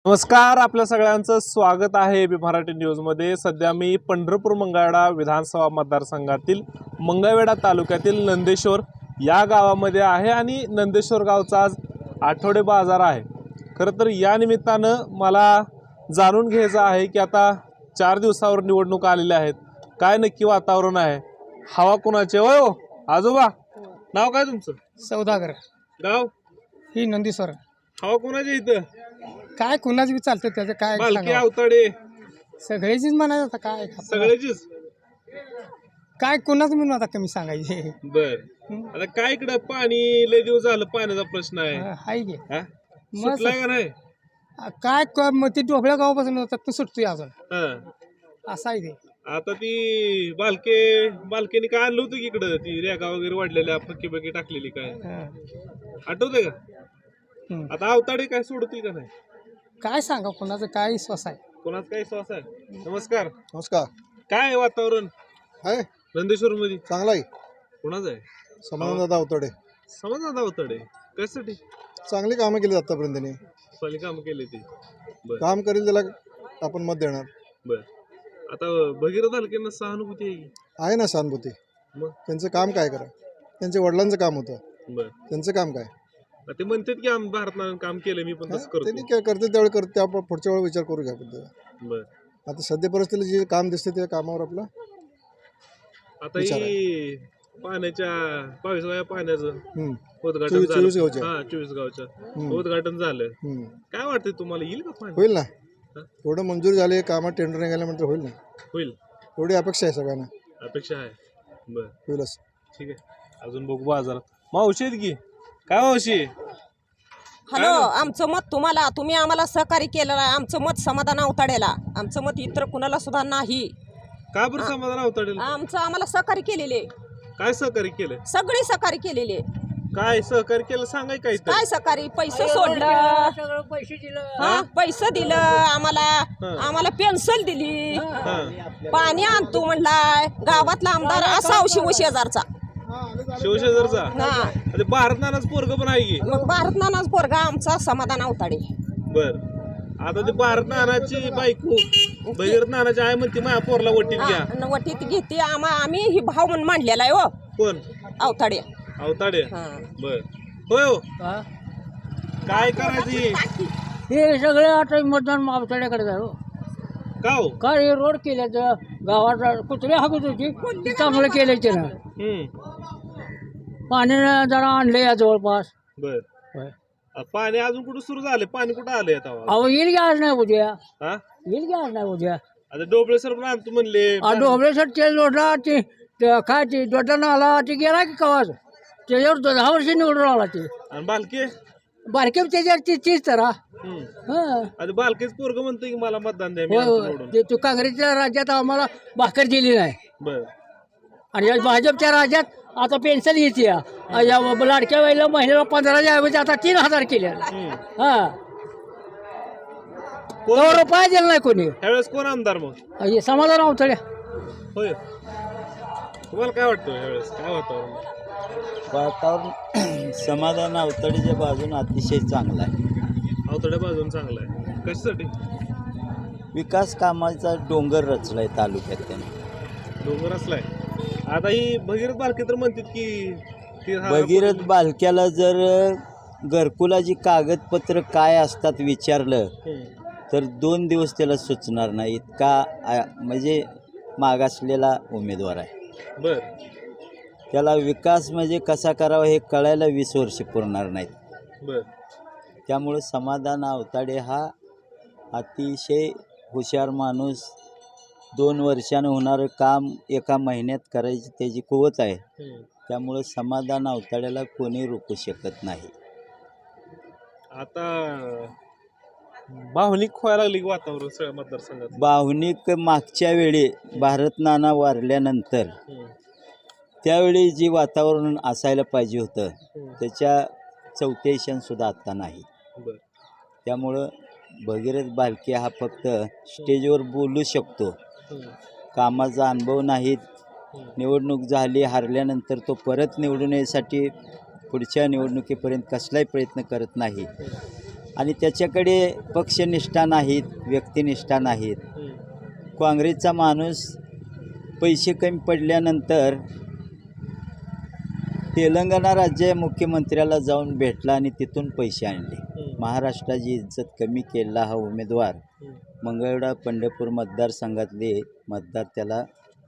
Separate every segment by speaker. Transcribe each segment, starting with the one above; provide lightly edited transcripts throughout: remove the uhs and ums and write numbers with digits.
Speaker 1: नमस्कार, आपल्या सगळ्यांचं स्वागत आहे बी मराठी न्यूजमध्ये। सध्या मी पंढरपूर मंगळवेढा विधानसभा मतदारसंघातील मंगळवेढा तालुक्यातील नंदेश्वर या गावामध्ये आहे आणि नंदेश्वर गावचा आज आठवडे बाजार आहे। खरं तर या निमित्तानं मला जाणून घ्यायचं आहे की आता 4 दिवसावर निवडणूक आलेल्या आहेत, काय नक्की वातावरण आहे, हवा कुणाचे? होय हो आजोबा, नाव काय तुमचं?
Speaker 2: सौदागर,
Speaker 1: गाव
Speaker 2: ही नंदीश्वर।
Speaker 1: हवा कुणाचे इथं?
Speaker 2: काय कुणाच बी चालतं त्याचं काय
Speaker 1: बालके
Speaker 2: सांगावं?
Speaker 1: अवताडे
Speaker 2: सगळेचीच म्हणायचं आता काय
Speaker 1: सगळ्याचीच?
Speaker 2: काय कुणाच म्हणून आता कमी सांगायचे
Speaker 1: बर, आता काय इकडं पाणी लय दिवस झालं, पाण्याचा प्रश्न आहे।
Speaker 2: हाय गे
Speaker 1: हा? सुटलाय का नाही?
Speaker 2: काय मग ते ढोबळ्या गावापासून होतात तो सुटतोय अजून,
Speaker 1: हा.
Speaker 2: असं आहे ते।
Speaker 1: आता ती बालकेने काय आणलं होतं की इकडं, ती रेगा वगैरे वाढलेल्या फक्की बक्की टाकलेली, काय
Speaker 2: हा.
Speaker 1: आठवतंय का?
Speaker 2: हम्म.
Speaker 1: आता अवताडे काय सोडतील का नाही?
Speaker 2: काय सांगा कुणाचं काय विश्वास आहे?
Speaker 1: कोणाच काय श्वास आहे? नमस्कार,
Speaker 3: नमस्कार.
Speaker 1: काय आहे वातावरण
Speaker 3: आहे
Speaker 1: नंदेश्वर मध्ये?
Speaker 3: चांगला आहे.
Speaker 1: कोणाच आहे?
Speaker 3: समाधानदादा अवतडे
Speaker 1: समाधान अवताडे कशासाठी?
Speaker 3: चांगली कामं केली आतापर्यंत त्यांनी.
Speaker 1: चांगली काम केले ते? बर
Speaker 3: काम करेल त्याला आपण मत देणार.
Speaker 1: बर, आता भगीरथ बालकेंना सहानुभूती आहे की?
Speaker 3: आहे ना सहानुभूती.
Speaker 1: मग
Speaker 3: त्यांचं काम काय करा, त्यांच्या वडिलांचं काम होतं,
Speaker 1: बर,
Speaker 3: त्यांचं काम काय
Speaker 1: ते म्हणतात की आम्ही भारतानं काम केलं, मी पण तसं
Speaker 3: त्यांनी
Speaker 1: करतो।
Speaker 3: काय करते त्यावेळी करते, त्या पुढच्या वेळी विचार करू घ्या आपण.
Speaker 1: बर,
Speaker 3: आता सध्या परिस्थितीला जे काम दिसते त्या कामावर आपलं
Speaker 1: आता ही पाण्याच्या 22व्या पाण्याचं
Speaker 3: हम्म.
Speaker 1: उद्घाटन
Speaker 3: 24
Speaker 1: झालं।
Speaker 3: गावच्या.
Speaker 1: हा, 24 गावच्या उद्घाटन झालं।
Speaker 3: हम्म.
Speaker 1: काय वाटतंय तुम्हाला, येईल का पाणी?
Speaker 3: होईल ना,
Speaker 1: हा?
Speaker 3: थोडं मंजूर झाले कामात, टेंडर निघाल्यानंतर होईल ना,
Speaker 1: होईल
Speaker 3: एवढी अपेक्षा आहे सगळ्यांना,
Speaker 1: अपेक्षा आहे। बर,
Speaker 3: होईलच.
Speaker 1: ठीक आहे, अजून बघू बाजारात। मावशी आहेत की काय? मावशी,
Speaker 4: हॅलो, आमचं मत तुम्हाला, तुम्ही आम्हाला सहकार्य केलं आहे, आमचं मत समाधान अवताडेला, आमचं मत इतर कुणाला सुद्धा नाही।
Speaker 1: का बरं समाधान अवताडेल?
Speaker 4: आमचं आम्हाला सहकार्य केलेले,
Speaker 1: काय सहकार्य केलं?
Speaker 4: सगळी सहकार्य केलेले।
Speaker 1: काय सहकार्य केलं सांगाय काय तर?
Speaker 4: काय सहकार्य? पैसे सोडलं, हा, पैसे दिलं आम्हाला, आम्हाला पेन्शन दिली,
Speaker 1: हा,
Speaker 4: पाणी आणतो म्हणलाय, गावातला आमदार असाव शिवशेजारचा।
Speaker 1: शिवशेजारचा?
Speaker 4: हा,
Speaker 1: ते भारत नानाच पोरग पण आहे की?
Speaker 4: मग भारत नानाच पोरगा आमचा समाधान अवताडे।
Speaker 1: बर, आता ते भारत नानाची बायको भगीरथ नानाची आहे म्हणते माझ्या पोरला वटीत घ्या।
Speaker 4: हा, वटीत घेते, आम्ही ही भाव म्हणून मांडलेला आहे हो
Speaker 1: कोण?
Speaker 4: अवताडे।
Speaker 1: अवताडे?
Speaker 4: हा,
Speaker 1: बर, होय हो, काय करायची?
Speaker 2: हे सगळे आता मतदान अवताड्याकडे जाऊ
Speaker 1: का हो?
Speaker 2: काय हे रोड केल्याचं, गावात कुत्रे हाकत होती, ते चांगलं केलं त्यानं, पाणी जरा आणलं या जवळपास।
Speaker 1: बर, पाणी अजून कुठं सुरू झालं? पाणी कुठं आलंय आता?
Speaker 2: अहो येईल की आज नाही उद्या,
Speaker 1: हा,
Speaker 2: येईल की आज नाही उद्या।
Speaker 1: आता डोबळे सर पण आणतो म्हणले।
Speaker 2: डोबळेसर ते जोडला, ते काय ते जोडला आला, ते गेला की कवाच, त्याच्यावर 10 वर्ष निवडून आला ते,
Speaker 1: आणि बालके?
Speaker 2: बारके त्याच्यावर तीच तर
Speaker 1: आता बालकेच पोरग म्हणतोय की मला मतदान द्या, मी आणतो निवडून.
Speaker 2: ते तू काँग्रेसच्या राज्यात आम्हाला भाकर दिली नाही,
Speaker 1: बर,
Speaker 2: आणि या भाजपच्या राज्यात आता पेन्शन येते, या लाडक्या वेळेला महिन्याला 15,000 ऐवजी आता 3,000 केल्या। हा,
Speaker 1: कोण
Speaker 2: रुपया दिला नाही कोणी,
Speaker 1: ह्यावेळेस कोण आमदार मग?
Speaker 2: हे समाधान अवतड्या।
Speaker 1: होय, तुम्हाला काय वाटतं ह्यावेळेस काय वातावरण?
Speaker 5: वातावरण समाधान अवतडीच्या बाजून अतिशय चांगला आहे।
Speaker 1: अवतड्या बाजून चांगला आहे, कशासाठी?
Speaker 5: विकास कामाचा डोंगर रचलाय तालुक्यात त्याने।
Speaker 1: डोंगर असलाय। आता ही भगीरथ बालके तर म्हणतात की
Speaker 5: भगीरथ बालक्याला जर घरकुलाची कागदपत्र काय असतात विचारलं तर 2 दिवस त्याला सुचणार नाही, इतका म्हणजे मागासलेला उमेदवार आहे।
Speaker 1: बर,
Speaker 5: त्याला विकास म्हणजे कसा करावा हे कळायला 20 वर्ष पुरणार नाहीत।
Speaker 1: बर,
Speaker 5: त्यामुळे समाधान अवताडे हा अतिशय हुशार माणूस, 2 वर्षानं होणारं काम 1 महिन्यात करायची त्याची कुवत आहे। त्यामुळे समाधान अवताड्याला कोणी रोखू शकत नाही।
Speaker 1: आता भावनिक व्हायला लागली वातावरण सगळ्या मतदारसंघात।
Speaker 5: भावनिक मागच्या वेळी भारत नाना वारल्यानंतर त्यावेळी जी वातावरण असायला पाहिजे होतं त्याच्या 4थ्या सुद्धा आता नाही।
Speaker 1: बर,
Speaker 5: त्यामुळं भगीरथ बालके हा फक्त स्टेजवर बोलू शकतो, कामाचा अनुभव नाहीत। निवडणूक झाली, हारल्यानंतर तो परत निवडून येण्यासाठी पुढच्या निवडणुकीपर्यंत कसलाही प्रयत्न करत नाही। आणि त्याच्याकडे पक्षनिष्ठा नाहीत, व्यक्तिनिष्ठा नाहीत. काँग्रेसचा माणूस पैसे कमी पडल्यानंतर तेलंगणा राज्य मुख्यमंत्र्याला जाऊन भेटला आणि तिथून पैसे आणले. महाराष्ट्राची इज्जत कमी केलेला हा उमेदवार मंगळवेढा पंढरपूर मतदारसंघातले मतदार त्याला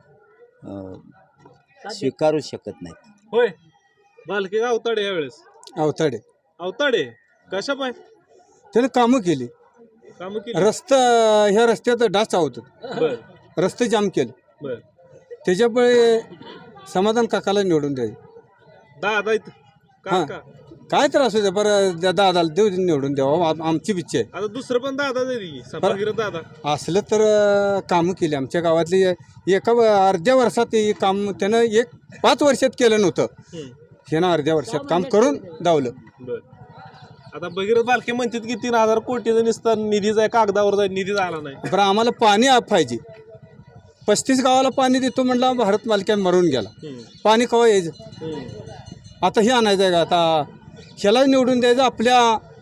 Speaker 5: स्वीकारू शकत नाहीत.
Speaker 1: होय बालके का अवताडे यावेळेस?
Speaker 3: अवताडे
Speaker 1: अवताडे कशा पाय
Speaker 3: त्याने कामं केली.
Speaker 1: काम केली?
Speaker 3: रस्ता ह्या रस्त्यात डास चावतात,
Speaker 1: बर
Speaker 3: रस्ते जाम केले.
Speaker 1: बर.
Speaker 3: त्याच्यामुळे समाधान काकाला निवडून द्यायचे.
Speaker 1: दादा इथं
Speaker 3: हां.
Speaker 1: काका
Speaker 3: काय त्रास होते बरं दादाला देऊ निवडून द्यावं आमची इच्छा आहे.
Speaker 1: आता दुसरं पण दादा भगीरथ दादा
Speaker 3: असलं तर कामं केली आमच्या गावातली. एका अर्ध्या वर्षात हे काम त्यानं 5 वर्षात केलं नव्हतं. ह्यानं अर्ध्या वर्षात काम करून दावलं.
Speaker 1: बर. आता भगीरथ बालके म्हणतात की 3,000 कोटीचा निस्ता निधी जाय कागदावर जाय, निधी झाला नाही.
Speaker 3: बरं आम्हाला पाणी पाहिजे. 35 गावाला पाणी देतो म्हटलं भारत मालक्या मरून गेला. पाणी केव्हा यायचं? आता हे आणायचं आहे का? आता ह्याला निवडून द्यायचं. आपल्या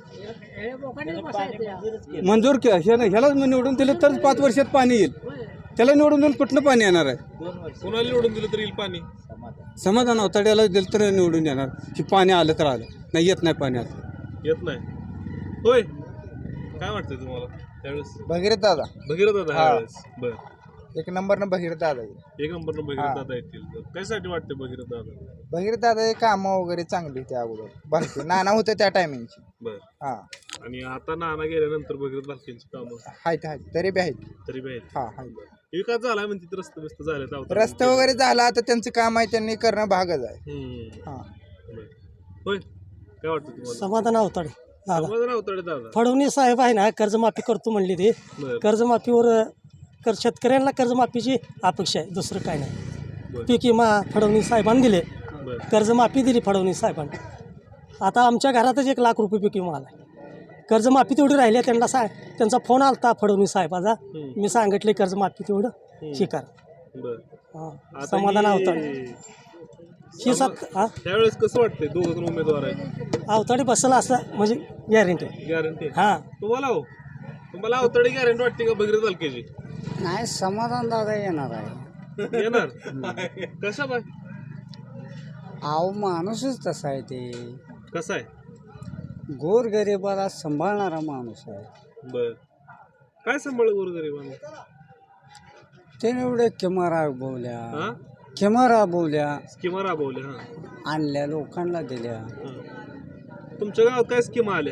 Speaker 3: मंजूर ह्यालाच निवडून दिलं तर 5 वर्षात पाणी येईल. त्याला निवडून देऊन कुठलं पाणी येणार आहे?
Speaker 1: कोणाला निवडून दिलं तर येईल पाणी?
Speaker 3: समाधान अवताड्याला दिलं तर निवडून येणार. की पाणी आलं तर आलं, नाही येत नाही पाणी आता.
Speaker 1: येत नाही. होय काय वाटतंय तुम्हाला त्यावेळेस?
Speaker 6: भगीरथ दादा
Speaker 1: भगीरथ दादा ह्यावेळेस? बर.
Speaker 6: 1 नंबरनं भगीरथ दादा.
Speaker 1: एक नंबर भगीरथ दादा येतील. कशासाठी वाटते भगीरथ दादा?
Speaker 6: भगीरथ दादा हे कामं वगैरे चांगली होती अगोदर. बालकी नाना होते त्या टायमिंगची.
Speaker 1: बर.
Speaker 6: हा
Speaker 1: आणि आता नाना गेल्यानंतर भगीरथ बालकेंची कामं
Speaker 6: आहेत तरी बी आहेत.
Speaker 1: तरी बी आहेत.
Speaker 6: हा आहेत.
Speaker 1: विकास झाला म्हणते रस्ते बिस्त झाले.
Speaker 6: रस्ते वगैरे झाला आता त्यांचं काम आहे त्यांनी करणं भागच आहे. हा
Speaker 1: होय काय वाटतं तुम्हाला?
Speaker 2: समाधान अवताडे दादा.
Speaker 1: समाधान अवताडे दादा.
Speaker 2: फडणवीस साहेब आहे ना, कर्जमाफी करतो म्हणली ते.
Speaker 1: बर.
Speaker 2: कर्जमाफीवर शेतकऱ्यांना कर्जमाफीची अपेक्षा आहे, दुसरं काय नाही.
Speaker 1: बर.
Speaker 2: पीक विमा फडणवीस साहेबांनी दिले,
Speaker 1: बर.
Speaker 2: कर्जमाफी दिली फडणवीस साहेबांनी. आता आमच्या घरातच 1 लाख रुपये पीक विमा आला. कर्जमाफी तेवढी राहिली. त्यांचा फोन आलता फडणवीस साहेबाचा. मी सांगितले कर्जमाफी तेवढं स्वीकार.
Speaker 1: बर.
Speaker 2: हां
Speaker 1: आता
Speaker 2: समाधान
Speaker 1: ही-
Speaker 2: अवताडे. ही
Speaker 1: त्यावेळेस कसं वाटतंय? 2 जण उमेदवार आहेत.
Speaker 2: अवताडे बसला असं म्हणजे गॅरंटी.
Speaker 1: गॅरंटी
Speaker 2: हां
Speaker 1: तुम्हाला? हो तुम्हाला अवताडे गॅरंटी वाटते का भगीरथ बालकेची?
Speaker 2: नाही, समाधान दादा येणार आहे.
Speaker 1: येणार कशा बाय?
Speaker 2: अहो माणूसच तसा आहे. ते
Speaker 1: कसा आहे?
Speaker 2: गोरगरिबाला सांभाळणारा माणूस आहे.
Speaker 1: बर. काय सांभाळ गोरगरिबांना?
Speaker 2: त्याने एवढे किमा राबवल्या,
Speaker 1: हा
Speaker 2: किमा राबवल्या,
Speaker 1: स्कीमा राबवल्या. हा
Speaker 2: आणल्या, लोकांना दिल्या.
Speaker 1: तुमच्या गावात काय स्कीमा आल्या?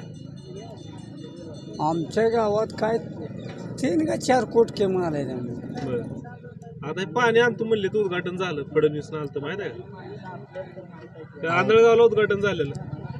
Speaker 2: आमच्या गावात काय 3 का 4 कोट किमा आल्या त्यांनी.
Speaker 1: बर. आता हे पाणी आणतो म्हणले तर उद्घाटन झालं. फडणवीस आलं माहित आहे का? आंधळगावला उद्घाटन झालेलं.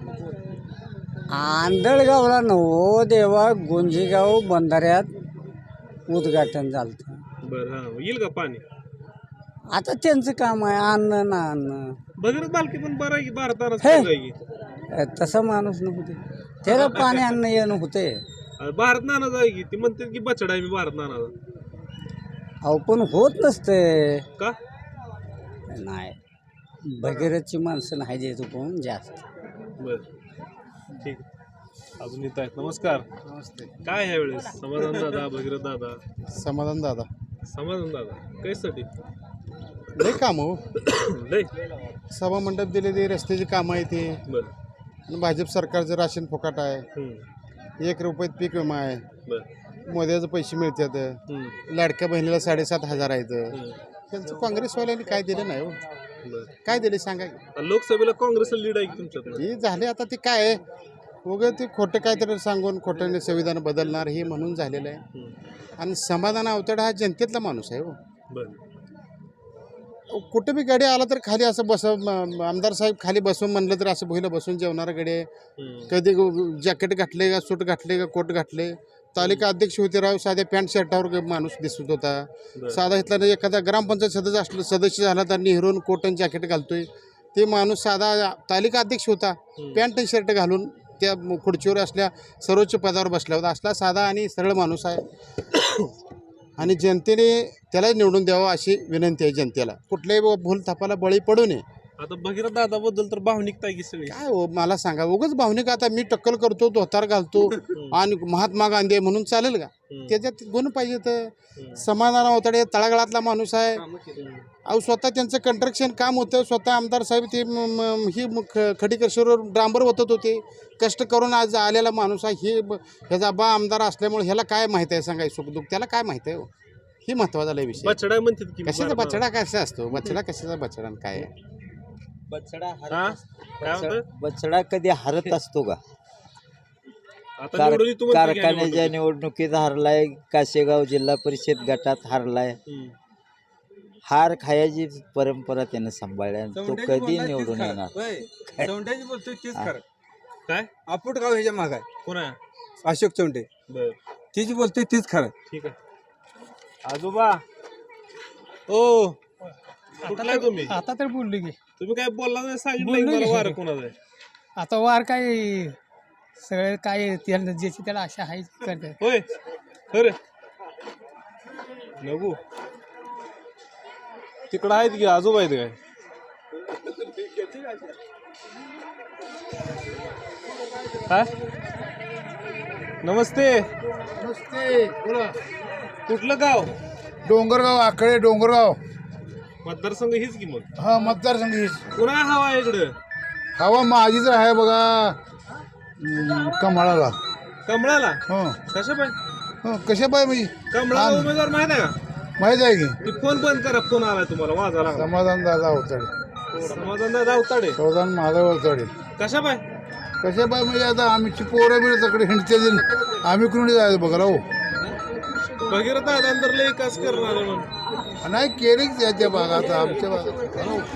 Speaker 2: आंधळगावला नवो देवा, गुंजीगाव बंधाऱ्यात उद्घाटन झालं.
Speaker 1: बर. हा येईल का पाणी?
Speaker 2: आता त्यांचं काम आहे आणणं ना आणणं.
Speaker 1: भगीरथ बालके पण बरं आहे की भारतानं
Speaker 2: हे.
Speaker 1: सांगा की.
Speaker 2: तसा माणूस नव्हते. त्याला पाणी आणणं येणं होते.
Speaker 1: भारत नाना जाय की ती म्हणते की बछडा आहे मी भारत नानाचा.
Speaker 2: अहो पण होत नसते.
Speaker 1: का?
Speaker 2: नाही, भगीरथची माणसं नाही देतो पण जास्त.
Speaker 1: बर ठीक. अजून येत आहेत. नमस्कार. काय ह्या वेळेस? समाधान दादा भगीरथ दादा?
Speaker 3: समाधान दादा
Speaker 1: समाधान दादा कशासाठी?
Speaker 3: लय काम हो.
Speaker 1: लय.
Speaker 3: सभा मंडप दिले ते रस्त्याची कामं आहे ते.
Speaker 1: बर.
Speaker 3: आणि भाजप सरकारचं राशन फुकाट आहे. 1 रुपयात पीक विमा आहे.
Speaker 1: बर.
Speaker 3: मोद्याचे पैसे मिळतात. लाडक्या बहिणीला 7,500 आहेत. त्यांचं काँग्रेसवाल्यांनी काय दिलं नाही हो.
Speaker 1: बर.
Speaker 3: काय दिले सांगा की?
Speaker 1: लोकसभेला काँग्रेसला लीड आहे की तुमच्यात?
Speaker 3: हे झाले आता ते काय आहे वगैरे ते खोटं काहीतरी सांगून खोटं संविधान बदलणार हे म्हणून झालेलं आहे. आणि समाधान अवताडे हा जनतेतला माणूस आहे हो.
Speaker 1: बर.
Speaker 3: कुठे बी गाडी आला तर खाली असं आमदार साहेब खाली बसून म्हणलं तर असं भुईला बसून जेवणारा गाडी आहे. कधी जॅकेट घातले का सूट घातले का कोट घातले. तालिका अध्यक्ष होते राव, साध्या पॅन्ट शर्टावर माणूस दिसत होता. साधा इथला एखादा ग्रामपंचायत सदस्य झाला तर नेहरून कोट आणि जॅकेट घालतोय. ते माणूस साधा तालिका अध्यक्ष होता, पॅन्ट शर्ट घालून त्या खुर्चीवर असल्या सर्वोच्च पदावर बसला होता. असला साधा आणि सरळ माणूस आहे. आणि जनतेने त्याला निवडून द्यावं अशी विनंती आहे जनतेला. कुठल्याही भूल थापाला बळी पडू नये.
Speaker 1: आता भगीरथ दादाबद्दल तर भावनिकता आहे की सगळी.
Speaker 3: काय हो मला सांगा उगाच भावनिक आता मी टक्कल करतो धोतार घालतो आणि महात्मा गांधी आहे म्हणून चालेल का? त्याच्यात गुण पाहिजे तर समाधान अवताडे तळागाळातला माणूस आहे. अहो स्वतः त्यांचं कंस्ट्रक्शन काम होतं. स्वतः आमदार साहेब ते खडीकर्षीवर डांबर ओतत होते. कष्ट करून आज आलेला माणूस आहे. ह्याचा बा आमदार असल्यामुळे ह्याला काय माहिती आहे सांगाय सुखदुःख त्याला काय माहिती आहे हो? ही महत्वाचा लय विषय.
Speaker 1: बछडा म्हणतात की
Speaker 3: कशाचा बछडा कसा असतो? बछडा कशाचा बछडा आणि काय आहे?
Speaker 5: बछडा
Speaker 1: हा? काय म्हणतात?
Speaker 5: बछडा कधी हरत असतो का?
Speaker 1: आता निवडून येतो म्हणते की
Speaker 5: कारखान्याच्या निवडणुकीत हारलाय, काशेगाव जिल्हा परिषद गटात हारलाय. हार खायची परंपरा त्यानं सांभाळल्या. तो कधी निवडून येणार?
Speaker 7: चौंड्याची बोलतोय तीच खरं.
Speaker 1: काय
Speaker 7: आपूट गाव ह्याच्या माग आहे
Speaker 1: कोण आहे?
Speaker 7: अशोक चौंडे.
Speaker 1: बर
Speaker 7: तीच बोलतोय तीच खरं.
Speaker 1: ठीक आहे. आजोबा ओ कुठला आहे तुम्ही?
Speaker 2: आता तर बोललो की
Speaker 1: तुम्ही काय बोलला नाही सांगितलं मला वार कोणाचं आहे?
Speaker 2: आता वार काय सगळे काय त्याला ज्याची त्याला आशा आहे करतात.
Speaker 1: होय खरं नको तिकडं आहेत की आजोबा आहेत काय? काय नमस्ते कुठलं गाव?
Speaker 8: डोंगरगाव आकडे डोंगरगाव
Speaker 1: मतदारसंघ हीच की मग
Speaker 8: हा मतदारसंघ
Speaker 1: कुणा हवा आहे इकडं?
Speaker 8: हवा माझीच आहे बघा कमळाला.
Speaker 1: कमळाला
Speaker 8: हो
Speaker 1: कशा पाहिजे?
Speaker 8: कशा पाय म्हणजे
Speaker 1: कमळाला उमेदवार माहित आहे का?
Speaker 8: माहीत आहे की
Speaker 1: ती फोन बंद करा. फोन आलाय तुम्हाला वाजा लागला.
Speaker 8: समाधान दादा अवताडे
Speaker 1: समाधान दादा अवताडे
Speaker 8: समाधान माधव अवताडे.
Speaker 1: कशा पाय?
Speaker 8: कशा पाय म्हणजे आता आमची पोरं बिरं तकडे हिंडते आम्ही कुणी जायचं बघा राहू.
Speaker 1: भगीरथ दादा लय विकास करणार आहे म्हणून
Speaker 8: नाही केलीच त्याच्या भागात आमच्या भागात.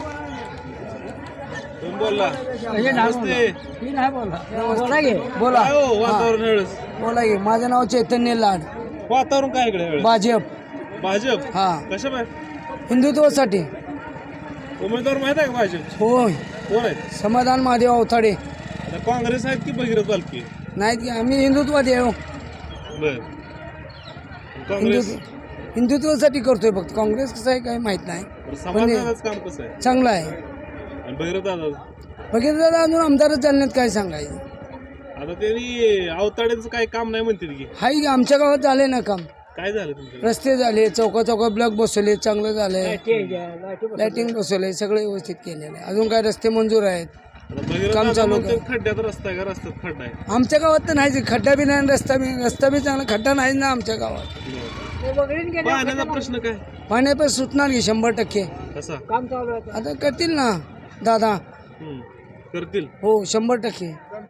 Speaker 1: तुम्ही बोलला नमस्ते.
Speaker 2: बोला गे बोला
Speaker 1: काय हो वातावरण वेळेस?
Speaker 2: बोला गे माझं नाव चैतन्य लाड
Speaker 1: वातावरण काय इकडे वेळेस?
Speaker 2: भाजप
Speaker 1: भाजप
Speaker 2: हा
Speaker 1: कशा पाय?
Speaker 2: हिंदुत्वासाठी
Speaker 1: उमेदवार माहित आहे का भाजप?
Speaker 2: होय
Speaker 1: कोण आहेत?
Speaker 2: समाधान महादेव अवताडे.
Speaker 1: आता काँग्रेस आहेत की भगीरथ बालकी?
Speaker 2: नाहीत की आम्ही हिंदुत्ववादी आहे.
Speaker 1: बर काँग्रेस
Speaker 2: हिंदुत्वासाठी करतोय फक्त. काँग्रेस कसं आहे काही माहित नाही.
Speaker 1: समाधानाचं काम कसं आहे?
Speaker 2: चांगलं आहे.
Speaker 1: आणि भगीरथ दादा
Speaker 2: बघितलं दादा अजून आमदारच जालन्यात काय सांगायचं.
Speaker 1: आता त्यांनी अवताड्यांचं काही काम नाही म्हणतील की?
Speaker 2: हाय की आमच्या गावात झाले ना काम.
Speaker 1: काय झालं तुमचं?
Speaker 2: रस्ते झाले, चौका चौका ब्लॉक बसवले, चांगलं झालंय. लाइटिंग बसवले, सगळे व्यवस्थित केलेलं आहे. अजून काय रस्ते मंजूर आहेत.
Speaker 1: आता भगीरथ
Speaker 2: काम
Speaker 1: दादा
Speaker 2: चालू
Speaker 1: म्हणतात खड्ड्यात रस्ता आहे का? रस्त्यात खड्डा आहे?
Speaker 2: आमच्या गावात तर नाहीच. खड्डा बी नाही, रस्ता बी चांगला. खड्डा नाहीच ना आमच्या गावात.
Speaker 1: पाण्याचा प्रश्न काय?
Speaker 2: पाण्या पण सुटणार की 100%.
Speaker 1: कसा?
Speaker 2: आता करतील ना दादा.
Speaker 1: करतील.
Speaker 2: हो 100%.